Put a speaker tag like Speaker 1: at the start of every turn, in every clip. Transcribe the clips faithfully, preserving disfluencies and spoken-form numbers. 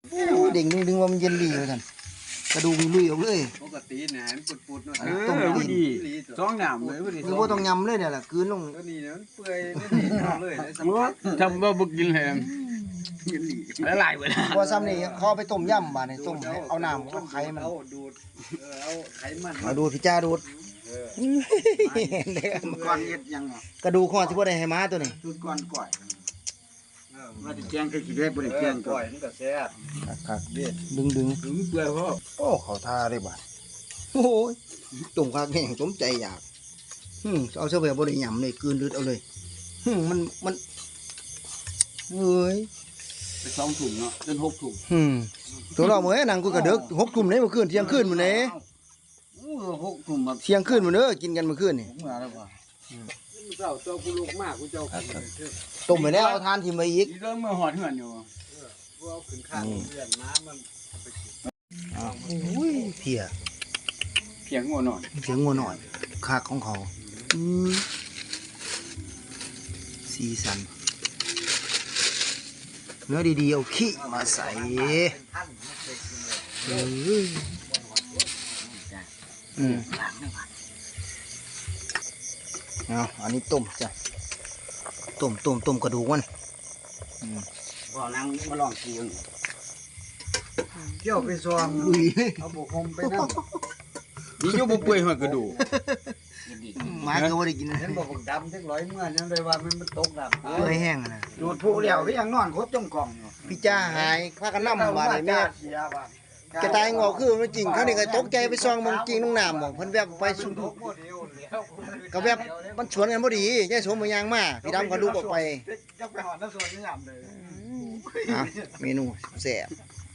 Speaker 1: เด้งดึงว่ามันเย็นดีเลยท่านกระดูกลุยออกเลย
Speaker 2: ปกติเนี่ยมันปุดๆเนาะ
Speaker 3: ต้มดีสองน้ำเลยพอดี
Speaker 1: คือว่าต้องยำเลยเนี่ยแหละคืนลง
Speaker 2: ตัวนี้เนี่ยมันเปื่อยนี่เลยได้สัมผัส
Speaker 3: ทำบ่บ่กินเลยละลายไปแล้ว
Speaker 1: พอซ้ำนี่เขาไปต้มยำบาดนี่ต้มเอาน้ำเอาไข่มัน
Speaker 2: เอาดูดเอาไขมัน
Speaker 1: เอาดูดพี่จ้าดูด
Speaker 3: ก่อนเฮ็ดยัง
Speaker 1: กระดูกข้อที่ว่าได้ให้ม้าตัวนี้
Speaker 3: จุดก่อนก่อยว่าจะแจ้งคือสิได้บ่ได้แจ้ง
Speaker 2: ก่อยมันก็แซ่บ
Speaker 1: ครับดึงดึง
Speaker 3: ถึงเปื่อยพอ
Speaker 1: โอ้เขาท่าได้บาดโอ้ยตุ่มคักแห้งสมใจอยากหึเอาเสื้อแบบบ่ได้ยำเลยกืนลืดเอาเลยหึมันมันเอ้ย
Speaker 3: ไปสองถุงเนาะจนหกถุง
Speaker 1: หึตัวเราเมื่อนั่งกูกระเดึกหกทุ่มนี้เมื่อคืนเที่ยงคืนมื้อนี้
Speaker 3: โอ้หกถุงแบบ
Speaker 1: เที่ยงคืนมื้อเด้อกินกันเมื่อคืนนี่
Speaker 3: ผมมาแล้วว่า
Speaker 2: เจ้าเจ้ากูลูกมากกูเจ้า
Speaker 1: ต้มไปแล้วเอาทานทิ่มไปอีก
Speaker 3: เริ่มมื้อฮอดเฮือนอยู่
Speaker 2: กูเอาขึ้นข้างเพื่อนน้ำมัน
Speaker 1: อ้าวอุ้ยเพีย
Speaker 3: เพียงงัวหน่อย
Speaker 1: เพียงงัวหน่อยคากของเขาอือสีสันเนื้อดีๆเอาขี้มาใส่เอออืมเอาอันนี้ต้มจ้ะต้มต้มต้มกระดูกมันอืม
Speaker 3: บ่นั่งมาลองกิน
Speaker 2: เกี่ยวไปซองลุยเอาบุกคมไปนั่ง
Speaker 3: นี่อยู่บ่เปื่อยหัวกระดูก
Speaker 1: หมาก็บ่ได้กิน
Speaker 2: เห็นบ่บักดำจักร้อยเมื่อยังได้ว่ามันมันตกดำ
Speaker 1: เปื่อยแห้งนะ
Speaker 3: ดูดผู้เดียวที่ยังนอนครบจมกล่องอยู่
Speaker 1: พี่จ้าหายพากันนำมาเลยแม่กระต่ายงอคือมันจริงเขานี่ก็ตกใจไปซองมันจริงน้องน้ำบอกเพิ่นแวบไปสุดก็แวบมันสวนกันพอดียายสมมันยางมาพี่ดำก็ลุกออกไป
Speaker 2: จักไปหอดน้ำสวนนี่ยำเลย
Speaker 1: อ่ะเมนูแซ่บ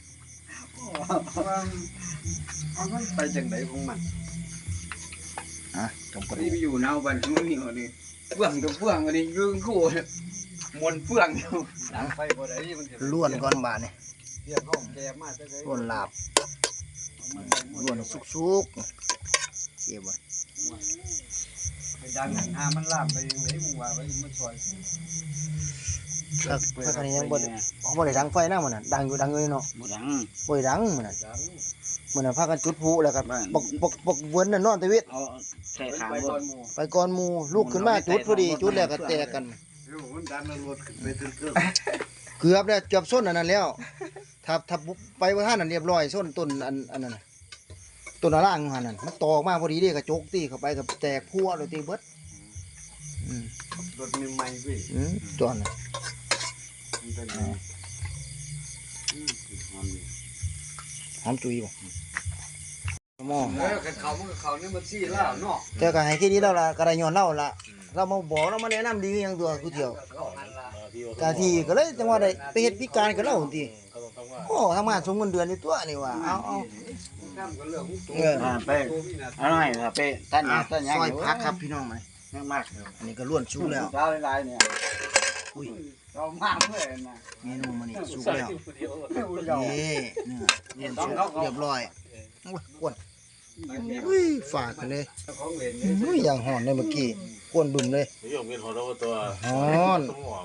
Speaker 2: เอามันไปจังไดของมัน
Speaker 1: อ่ะต้มกระดู
Speaker 3: นี่
Speaker 1: ก
Speaker 3: ไปอยู่นาวบ้านมันนี่นี่เฟื่องกับเฟื่องอันนี้ยืนคู่มวนเฟื่องอยู่
Speaker 2: หลังไฟบ่ได้มัน
Speaker 1: ล้วนก่อนบาดนี่
Speaker 2: เรียกห้องแกมาจังได๋
Speaker 1: ล้วนลาบล้วนสุกๆเจ็บบ่
Speaker 2: ไปดังหันหามันลามไปยังไงมึงว่าไปมันซอย
Speaker 1: ถ้าถ้าคันนี้ยังบ่บ่ได้ดังไฟนะมันน่ะดังอยู่ดังอยู่เนาะ
Speaker 3: บ่ดัง
Speaker 1: บ่ได้ดังมันน่ะมันน่ะพากันจุดพลุแล้วก็ปกปกปกเวินน่ะนอนตะเวท
Speaker 3: เอาใส่ขางบ่
Speaker 1: ไปก่อนหมู่ลูกขึ้นมาจุดพอดีจุดแล้วก็แตกกัน
Speaker 2: มันดันรถขึ้นไปถึงเครื่อง
Speaker 1: เกือบแล้วเกือบส้นอันนั้นแล้วถ้าถ้าไปบ่ทันนั่นเรียบร้อยส้นต้นอันอันนั้นน่ะต้นล่างหั่นน่ะมันตอกมาพอดีเด้กระจกตีเข้าไปก็แตกพัวเลยตีเบิดอืม
Speaker 2: รถมีใหม่เว้ย
Speaker 1: อืมจอนน่ะ
Speaker 2: มันเป็นไงอืมหอมนี่
Speaker 1: หอมจุยบ่หม้อ
Speaker 2: เออคันเขามันก็เขานี่มันซี่แล้วเนาะ
Speaker 1: แต่ก็ให้แค่นี้แล้วล่ะก็ได้ย้อนเล่าล่ะเรามาบอกเรามาแนะนำดีหยังตัวกูเที่ยวกะทีก็เลยจังว่าได้ไปเฮ็ดพิการกับเราหั่นติโอ้ทำงานส่งเงินเดือนนี่ตัวนี่ว่าเอาเอา
Speaker 3: เออไปอร่อยครับไปท่านท่านยัง
Speaker 1: ซอยพักครับพี่น้องมา
Speaker 3: ยังมาก
Speaker 1: อันนี้ก็ล้วนสุกแล้ว
Speaker 3: เช้าหลายๆเนี่ย
Speaker 1: อุ้ย
Speaker 3: เรามากเลยนะ
Speaker 1: เมนูมันนี่สุกแล้วนี่เนี่ยล้วนสุกเรียบร้อยโอ้ยกวนอุ้ยฝากกันเลยอุ้ยอย่างหอนเลยเมื่อกี้กวนบึ้มเลย
Speaker 4: นี่ผมเป็นหอนแล้วตัว
Speaker 1: หอน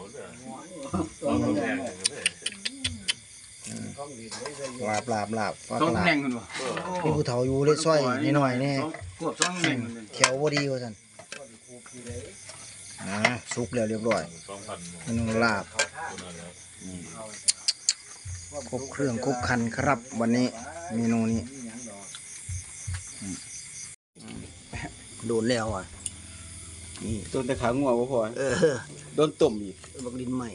Speaker 1: ลาบลาบลาบฝาก
Speaker 3: ต้อง
Speaker 1: ลาบ
Speaker 3: แข่งกันวะ
Speaker 1: มีผู้เฒ่าอยู่เลยซอยนิดหน่อยนี่
Speaker 3: ขวบต้องแข่ง
Speaker 1: แถวบ่ดีว่าซั่นอ่าสุกแล้วเรียบร้อยเมนูลาบครบเครื่องครบครันครับวันนี้เมนูนี้โดนแล้วอ่ะนี่
Speaker 3: ต้นตะขางัวบ่พอ
Speaker 1: เออ
Speaker 3: โดนต้มอีก
Speaker 1: บักดินใหม่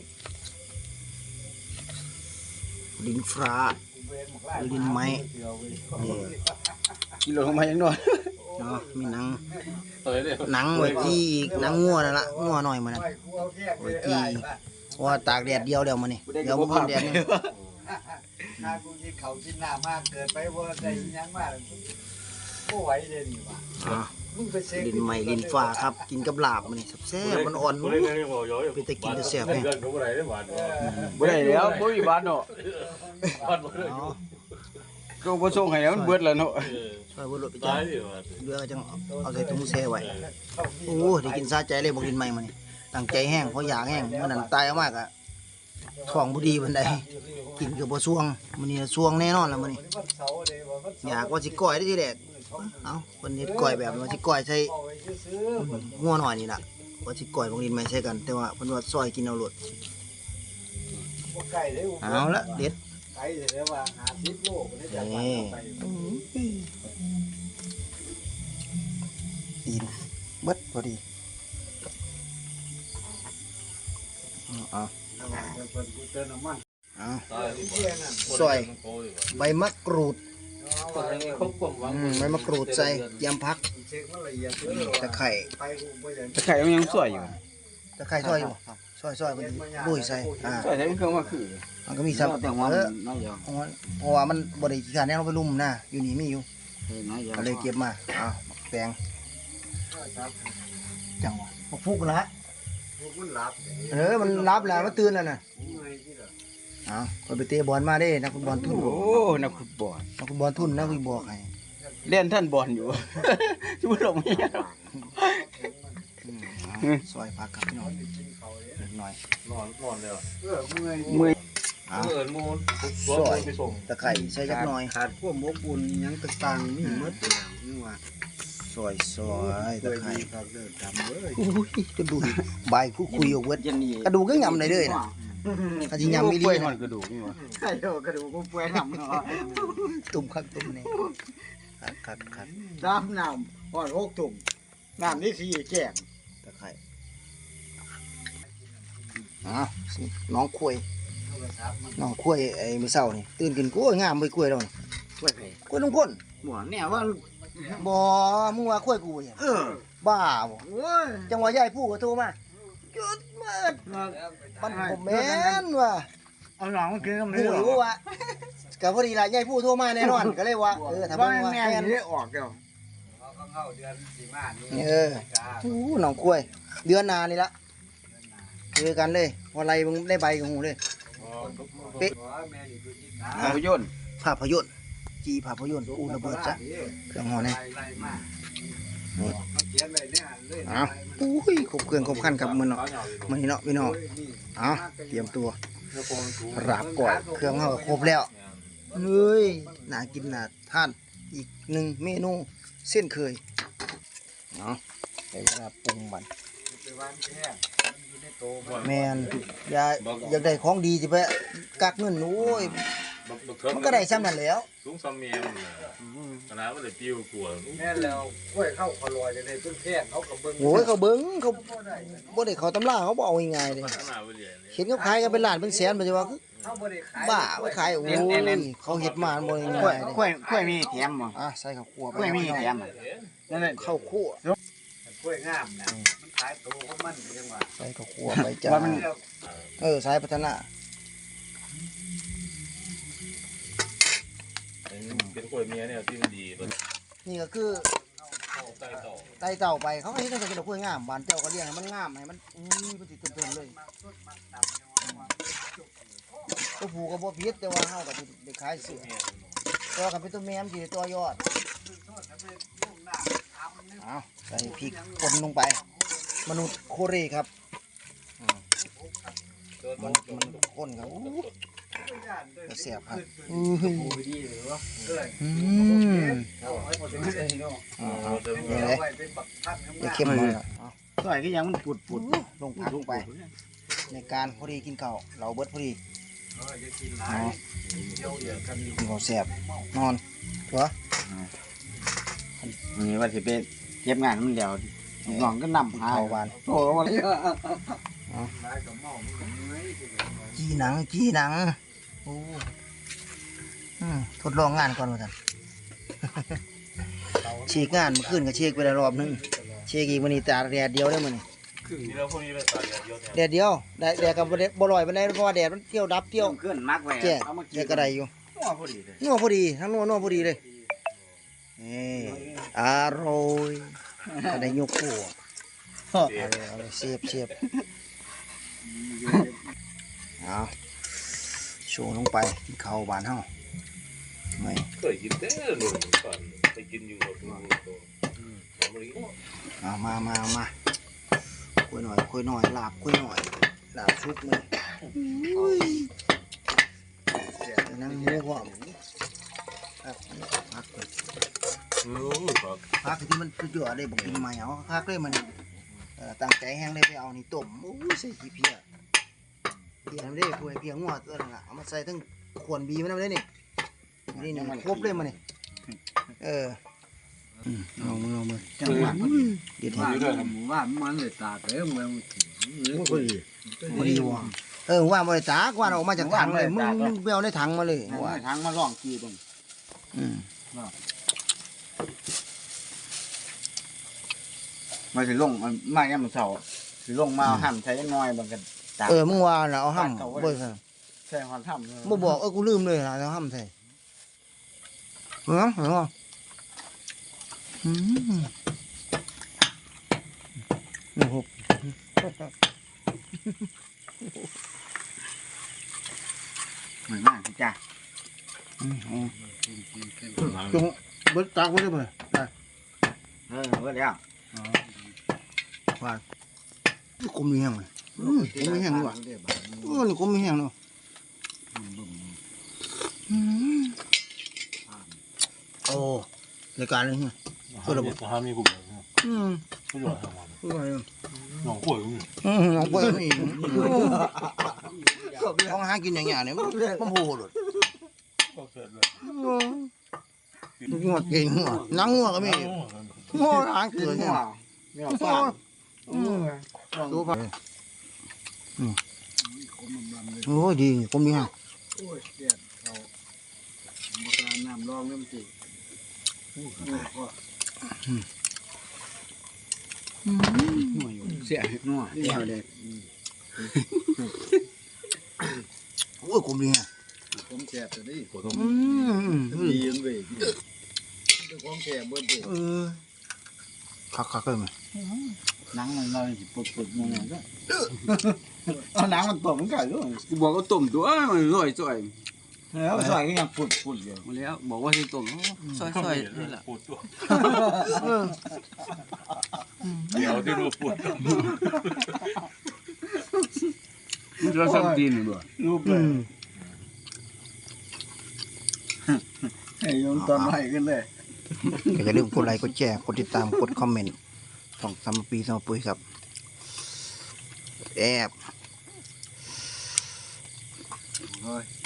Speaker 1: ดินฟ้าดินไม้นี่
Speaker 3: กิโลมายังน้อย
Speaker 1: เนาะมีหนังหนังไว้จี้อีกหนังงัวนั่นล่ะงัวหน่อยมันนั่นไว้จี้เพราะว่าตากแดดเดียวแล้วมื้อนี้เดี๋ยวบ่พ้นแดดนี่
Speaker 2: ถ้ากูกินข้าวกินน้ำมากเกินไปบ่ได้ยังมากบ่ไหวเลยนี่ว่า
Speaker 1: อ่าดินใหม่ดินฟ้าครับกินกับลาบมื้อนี้แซ่บๆมันอ่อนมื้อไปแต่กินแต่แซ่บแฮง
Speaker 3: บ่ได้แล้วบ่มีบาทเนาะก็บ่ส่งให้มันเบิดแล้วเนาะ
Speaker 1: ซอยบ่ลดไปจ้ะเรือจังเอาใส่ถุงแช่ไว้โอ้ได้กินซาใจเลยบ่กินใหม่มื้อนี้ตั้งใจแห้งเพราะอยากแห้งมื้อนั้นตายเอามากอ่ะท้องบ่ดีปานใดกินก็บ่ช่วงมื้อนี้ช่วงแน่นอนล่ะมื้อนี้อยากว่าสิก้อยได้ทีแรกเอ้าเพิ่นเฮ็ดก้อยแบบว่าสิก้อยใส่งัวน้อยนี่ล่ะว่าสิก้อยบางดินไม่ใช่กัน แต่ว่าเพิ่นว่าซอยกินเอาโลดเอาละเด็ด
Speaker 2: ไก่เดี๋ยวว่าหาสิบโลก็ได้จาก
Speaker 1: นี่
Speaker 2: ไป
Speaker 1: ตีนเบิดพอดีเอา
Speaker 2: เพิ่นกูเติมน้ำมัน
Speaker 1: เอา
Speaker 2: เที่ยงนั่น
Speaker 1: ซอยใบมะกรูด
Speaker 3: คนนี้เขาความหวัง
Speaker 1: อืมใบมะกรูดใส่ยำพัก
Speaker 2: เช็คมันละเอียดเลย
Speaker 1: ตะไคร้
Speaker 2: ไปกูบ่ได้
Speaker 3: ตะไคร้มันยังสวยอยู่
Speaker 1: ตะไคร้ซอยอยู่ซอยซอยมันลุยใส่อ่า
Speaker 3: สวยแต่มันเครื่องมาคือ
Speaker 1: มันก็มีซับ
Speaker 3: แต่ว่า
Speaker 1: เออ
Speaker 3: น้อยอย่าง
Speaker 1: เพราะว่าเพราะว่ามันบ่ได้ขี้ขานแน่เราไปลุ่มนะอยู่นี่มีอยู่
Speaker 3: น้อยอย่าง
Speaker 1: ก็เลยเก็บมาอ้าวแปลงจังหวะบ่ฟุกนะฮะ
Speaker 2: พวกมันหลับ
Speaker 1: เออมันรับแล้วมันตื่นแล้วน่ะ
Speaker 2: เมื่อยที่ละ
Speaker 1: อ้าวคนไปเตะบอลมาเด้นักฟุตบอลทุน
Speaker 3: โอ้นักฟุตบอล
Speaker 1: นักฟุตบอลทุนนักฟุตบอลให้
Speaker 3: เล่นท่านบอลอยู่ ชุบลงนี่
Speaker 1: อืมซอยผักครับพี่น้องนิดหน่อย
Speaker 4: นอนนอนเลยเหรอ
Speaker 2: เออเมื่อย
Speaker 3: เมื่อย
Speaker 1: อ้าว
Speaker 4: เอิญมูนตัวมูนไปส่ง
Speaker 1: ตะไคร้ใส่จักหน่อย
Speaker 2: ขาดพวกหมกบุญหยังต่างๆมีหมดเลยนี่ว่า
Speaker 1: ซอยซอยตะไคร้
Speaker 2: ครับเด้อทำเลย
Speaker 1: โอ้ยกระดูกใบผู้คุยเอาเวิร์ด
Speaker 3: ยันนี่
Speaker 1: กระดูกก็ยำเลยเด้อนะกระทิยำไม่ดี
Speaker 3: เปื่อยหอ
Speaker 1: นะ
Speaker 3: นกระดูกนี่วะ
Speaker 2: ไก่โดกระดูกกูเปื่อยทำเนาะ
Speaker 1: ตุ่มคักตุ่มนี่คักคักคัก
Speaker 2: น้ำน้ำหอดหกตุ่มน้ำนี่สี่แก้ม
Speaker 1: ตะไคร้อ้าวสิน้องคุยน้องคุยไอ้มื้อเช้านี่ตื่นกินกล้วยงามไปกล้วยแล้วนี่
Speaker 3: ช่วยไป
Speaker 1: กล้วยลุงพ่น
Speaker 3: หมอเนี่ยว่า
Speaker 1: บ่มึงว่าคุยกูเนี่ย
Speaker 3: เออ
Speaker 1: บ้าบ่
Speaker 2: โอ้ย
Speaker 1: จังหวะยายผู้ก็โทรมาหยุดเมิดปันผมแม่นว่ะ
Speaker 2: เอาหนังมากินกับ
Speaker 1: ผู้
Speaker 2: เนื้อ
Speaker 1: รู้ว่าก็พอดีล่ะยายผู้โทรมาแน่นอนก็เลยว่าเออถ้า
Speaker 2: ว่า
Speaker 1: มึงว่า
Speaker 2: แม่
Speaker 1: แม่น
Speaker 2: นี่ออกเดียว
Speaker 5: เข้าเดือนสี่มานี่
Speaker 1: เอออู้น้องกล้วย เดือนหนานี่ละเจอกันเลยพอไรมึงได้ใบกับหูเลย
Speaker 5: แม่นี่คือที่ขา
Speaker 3: ภาพยนตร์
Speaker 1: ภาพยนตร์จีภาพยนตร์อูระเบิดจ้ะเครื่องหอนี่
Speaker 5: ไล่ไล่มาเขาเขียนไว้เนี่ยเลย
Speaker 1: เอาอุ้ยครบเครื่องครบขั้นครับมือเนาะมือนี้เนาะพี่น้องเอาเตรียมตัวราบก่อยเครื่องเขาก็ครบแล้วเฮ้ยน่ากินน่าทานอีกหนึ่งเมนูเส้นเคยเนาะใช้เวลาปรุงมัน
Speaker 5: ไปวางแค่อยู่ในโต
Speaker 1: แมนอยากอยากได้ของดีสิไปกักเงินโอ้ยมันก็ได้ซ้ำนั่นแหล้ว
Speaker 4: สูงซ้ำเมียมันขนาดว่าเลยปิ้วกลัว
Speaker 5: แม่แล้วกล้วยเข้าคลอยจะได้ต้นแค่เขากับเบิ้ง
Speaker 1: โอ้ยเขาเบิ้งเขาบ่ได้เขาตำราเขาบ่เอาง่ายๆเลย
Speaker 4: ขนาดว่าเลย
Speaker 1: เห็นเขาขายกันเป็นล้านเป็นแสนมันจะว่าคือ
Speaker 5: เขาบ่ได้ขาย
Speaker 1: บ้าไปขายโอ้ยเขาเฮ็ดมาบ่ได้
Speaker 3: กล้วย
Speaker 1: ง่ายเลย
Speaker 3: กล้วยกล้วยมีแถมบ่
Speaker 1: อ่ะใส่ข้าวคั่วไป
Speaker 3: กล้วยมีแถมนั่นแหละ
Speaker 1: ข้าวคั่ว
Speaker 5: กล้วยงามนะมันขายโตของมันจังหวะ
Speaker 1: ใส่ข้าวคั่วไปจ้า
Speaker 3: ว่ามัน
Speaker 1: เออสายพัฒนา
Speaker 4: เป็นกล้วยเมียเนี่ยที่มันดีมัน
Speaker 1: นี่ก็คือ
Speaker 4: ใต้ต่อ
Speaker 1: ไต่เต่าไปเขาก็เฮ็ดให้เป็นดอกกล้วยงามบ้านเจ้าก็เลี้ยงให้มันงามให้มันอุ้ยมันสิเต็มๆเลยตัวผู้ก็บ่ผิดแต่ว่าเฮาก็สิได้ขายเสื้อแต่ว่าคันเป็นตัวแม่มันสิได้ตัวยอดเอาใส่พริกป่นลงไป มนุษย์โคเรครับอืมมันมันข้นครับอู้ก็แซ่บครับอื้อหืออืม
Speaker 4: อ๋อเติม
Speaker 1: ยังไง
Speaker 5: ไว้เป็นบักพัด
Speaker 1: อย่าเข้มมากครับเอา
Speaker 3: กล้วยก็ยังมันปุดปุด
Speaker 1: ลงผักลงไป ในการพอดีกินข้าวเราเบิดพอดี
Speaker 5: เออจะกินหลายเดียวเดียวกันอยู่
Speaker 1: กินข้าวแซ่บนอนตัว
Speaker 3: นี่ว่าสิไปเก็บงานมันแล้วน้องก็นำ
Speaker 1: กิน
Speaker 3: หา
Speaker 1: ข้าวหวาน
Speaker 3: โอ้ว่า
Speaker 5: หลายกับเมามันก็เมื่อยที่เดียว
Speaker 1: จีหนังจีหนังโอ้อืมทดลองงานก่อนว่าท่าน ฉีกงานเมื่อคืนก็เช็คไปแล้วรอบนึงเช็คอีกวันนี้ตาแดดเดียวได้อมัน
Speaker 4: ที่เราพวกนี้เลยตายเยอะ
Speaker 1: แดดเดียวแดดแดดกับบ่ได้บ่ลอยปานใดเพราะว่าแดดมันเที่ยวดับเที่ยว
Speaker 3: เคลื่อนมักไว้
Speaker 1: แจ้ง
Speaker 3: เอามากิ
Speaker 1: แด
Speaker 3: น
Speaker 1: ดก็ได้อยู่
Speaker 3: หัวพอดีเลย
Speaker 1: นัวพอดีทั้งนัวนัวพอดีเลยนี่อร่อยก็ได้ยกขัวเอาเลยเอาเลยเสียบเสียบเอาโชว์ลงไปกินข้าวบานเฮาไม่
Speaker 4: เคยกินแต่หนุ่มก่อนไปกินอยู่กับตัวตัวมันก็
Speaker 1: เอามามามาคุยหน่อยคุยหน่อยลาบคุยหน่อยลาบชุบมือนั่งหมูพร้อมครับพักเลย
Speaker 4: เออครับ
Speaker 1: พักที่มันสุดยอดเลยบอกกินใหม่เอาพักเลยมันเอ่อตั้งใจแห้งเลยไปเอานี่ต้มโอ้ยใส่ขี้เพียเพียมันได้คุยเพียงวดตัวนึงอ่ะเอามาใส่ทั้งขวนบีมันได้นี่นี่นี่ครบเลยมันนี่เออลองลองมา
Speaker 2: จังหวะ
Speaker 1: เด็ด
Speaker 2: ว่า
Speaker 1: เห็น
Speaker 2: หมู่บ้านมันเลยตากเลยมัน
Speaker 1: พอดีว่ะเออว่าบริตากว่าออกมาจากถังเลยมึงมึงเบลในถังมาเลยว่า
Speaker 2: ทางมาล่องกีบง
Speaker 1: อืม
Speaker 2: มาสิลงมันมาย่ำเสาสิลงมาหั่นใช้น้อยบางกันตาก
Speaker 1: เออมึงว่าน่ะเอาห้ำบ่ใช่
Speaker 2: ใช่ความทำ
Speaker 1: บ่บอกเออกูลืมเลยนะเอาห้ำใส่เหรอเหรออืมโอ้โห
Speaker 2: เหมือนมากจ้ะ
Speaker 1: อืมอืมจงเบิดตากไว้ได้บ่ได้
Speaker 2: เออว่าแล้ว
Speaker 1: กลมมีแห้งเลยอืมกลมมีแห้งด้วยว่ะเออนี่กลมมีแห้งเนาะอืมโอ้รายการเลยเนี่ย
Speaker 4: ก็ระบบทำมีกูแบบ
Speaker 1: อืม
Speaker 4: ไม่หยอดทำมา
Speaker 1: คืออะไรอ่ะ
Speaker 4: หนองกล้วยนี่
Speaker 1: อืมน้องเปิ้ลนี่ของหากินอย่างเงี้ยเนี่ยมันมันโหดเลย
Speaker 4: ก็เสร็จเลย
Speaker 1: มันงอดเก่งหัวนังงัวก็มีงัวหางเกลือเนี่ย
Speaker 2: เนี่ยฟ้า
Speaker 1: อืมดูไปอืมโอ้ยดีกลมดีฮะ
Speaker 2: โอ้ยเสียดเขามาการน้ำรองน้ำจีเสียนัวเดียวเด็ก
Speaker 1: โอ้ยกลมดีฮะ
Speaker 2: ผมแฉบตัวนี้
Speaker 4: กูต้อง
Speaker 1: อืม
Speaker 2: ดีนเว้ยตัวของแฉบเบิ้ลเด็ก
Speaker 1: เออคักคักเลยมั้ย
Speaker 2: หนังมันเราสิปุดปุดมันก็เอาหนังมันตกมันไก่ด้วย
Speaker 3: กูบอกว่าต้มตัวมันร่อยจ่อย
Speaker 2: แล้วใส่ก็ยังปุดปุดอยู่
Speaker 3: มาแล้วบอกว่าสิต้มซอยๆนี่แหละ
Speaker 4: ปวดตัวเดี๋ยวที่รู้ปวด
Speaker 3: มันจะสั่งตีนบ่
Speaker 2: รูปเล
Speaker 1: อื
Speaker 2: ย
Speaker 1: ม
Speaker 2: ให้ยงตอนใหม่ขึ้นเลย
Speaker 1: ก็อย่าลืมกดไลค์กดแชร์กดติดตามกดคอมเมนต์สองสามปีสองปุ้ยครับแอบ
Speaker 2: โอ้ย